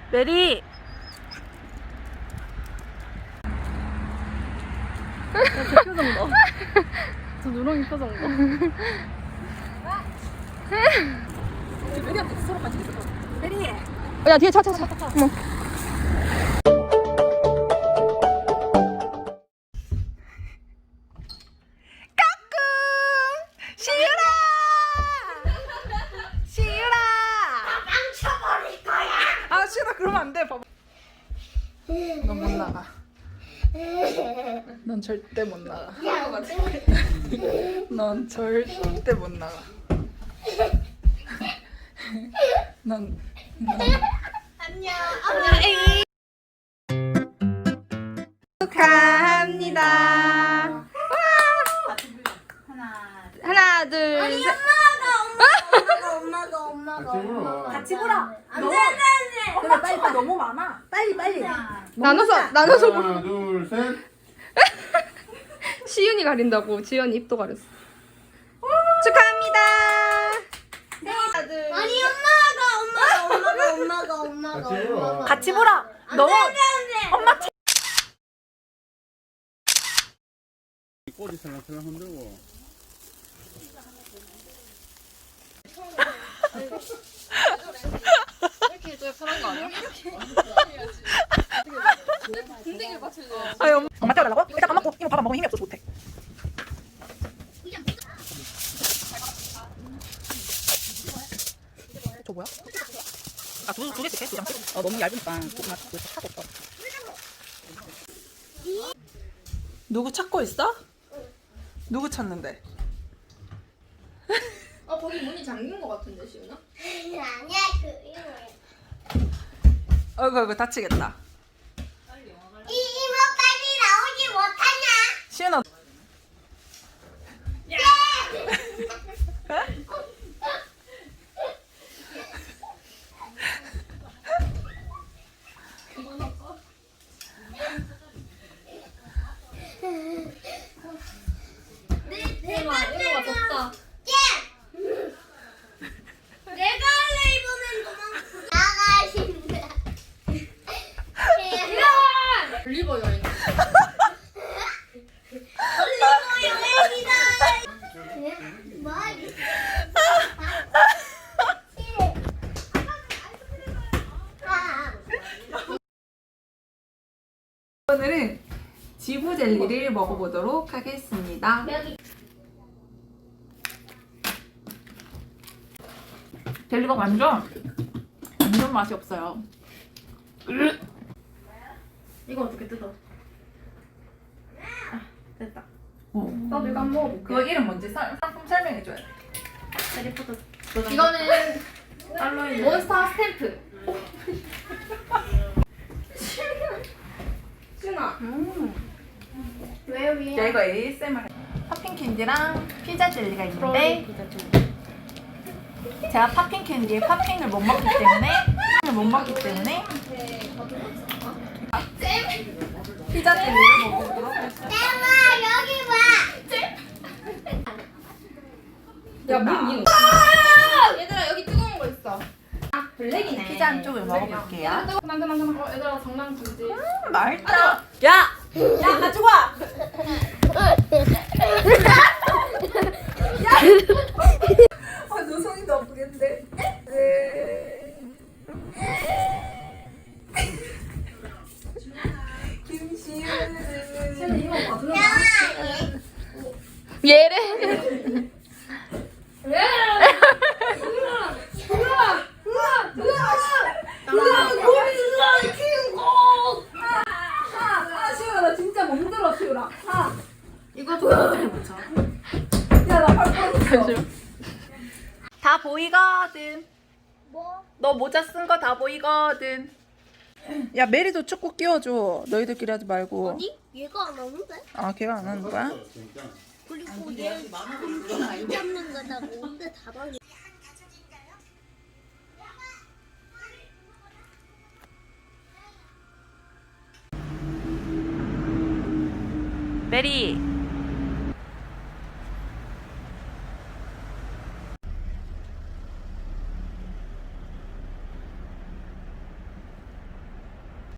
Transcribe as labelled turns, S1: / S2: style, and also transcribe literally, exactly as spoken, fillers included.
S1: 메리. 저 표정 봐. 저 누렁이 표정 봐. 메리한테 서로 같이 있어. 메리. 야 뒤에 차 차 차. 어머. 그러면 안 돼. 봐봐. 넌 못 나가. 넌 절대 못 나가. 넌 절대 못 나가. 넌, 넌.
S2: 안녕.
S1: 축하합니다.
S2: 하나.
S1: 하나, 둘,
S2: 아니
S1: 셋.
S2: 엄마가 엄마가 엄마가 엄마가
S3: 같이 불어.
S2: 안돼 안돼.
S3: 근데 빨리 빨리 너무 많아. 빨리 빨리.
S1: 나눠서, 나눠서.
S4: 하나, 둘, 셋.
S1: 시윤이 가린다고. 지연이 입도 가렸어. 축하합니다. 하나, 둘.
S2: 아니 엄마가 엄마가 엄마가 엄마가
S4: 같이 불어.
S2: 엄마가
S3: 같이 불어. 너무
S2: 안돼 안돼.
S3: 엄마
S4: 꼬리 살랑살랑 흔들고.
S1: 이렇게 해줘야 편한 거 아니야? 군대기를 맞추려.
S3: 아유 엄마 태워달라고? 일단 밥 먹고 이모 밥안 먹으면 힘이 없어서 못해. 저 뭐야? 아두 두 개씩 해? 두 장씩? 어 너무 얇으니까 조금만 그 차고 있어. 누구 찾고 있어? 누구 찾는데?
S1: 아 거기 문이 잠긴 거 같은데 시윤아?
S2: 아니야 그
S3: 어이구 어이구 다치겠다.
S2: 이 이모 빨리 나오지 못하냐?
S3: 시은아.
S1: 이모가 이모가 졌다.
S2: 내가 할래 이번엔 도망 나가신다.
S1: 올리버 여행.
S2: 올리고 여행이다. 뭐?
S3: 오늘은 지부 젤리를 먹어보도록 하겠습니다. 젤리가 완전 완전 맛이 없어요.
S1: 이거 어떻게 뜯어? 아, 됐다.
S3: 어.
S1: 나도 이거 한번 먹어볼게.
S3: 그거 이름 뭔지 사, 상품 설명해줘야 돼.
S1: 해리포터. 이거는 알로에 몬스터 스탬프. 시윤아. 왜 위에?
S3: 야 이거 에이에스엠알. 팝핑 캔디랑 피자 젤리가 있는데 제가 팝핑 캔디에 팝핑을 못 먹기 때문에 못 먹기 때문에 피자 젤리를 먹어보도록 하겠습니다.
S2: 쌤아 여기 봐.
S1: 야, 문 이거. 얘들아 여기 뜨거운 거 있어. 아, 블랙이네.
S3: 피자 한 쪽을 먹어볼게요.
S1: 그만 그만 그만. 어, 얘들아 장난치지.
S3: 음, 맛있다. 야! 야 가지고 와! 아, 너 손이 너무 아프겠는데? 김시은
S1: 이거 봐도
S3: 얘래. 아, 시우야, 나 진짜 멍들어, 시우라. 아.
S1: 이거 도전을 못 쳐.
S3: 야, 나 팔 뻔했어. 다 보이거든.
S2: 뭐?
S3: 너 모자 쓴 거 다 보이거든. 야, 메리도 축구 끼워줘. 너희들끼리 하지 말고.
S2: 아니 얘가 안 오는데?
S3: 아, 걔가 안 하는 거야?
S2: 그리고 얘 곰돌이 안 잡는 거다고 근데 다방이.
S3: 메리.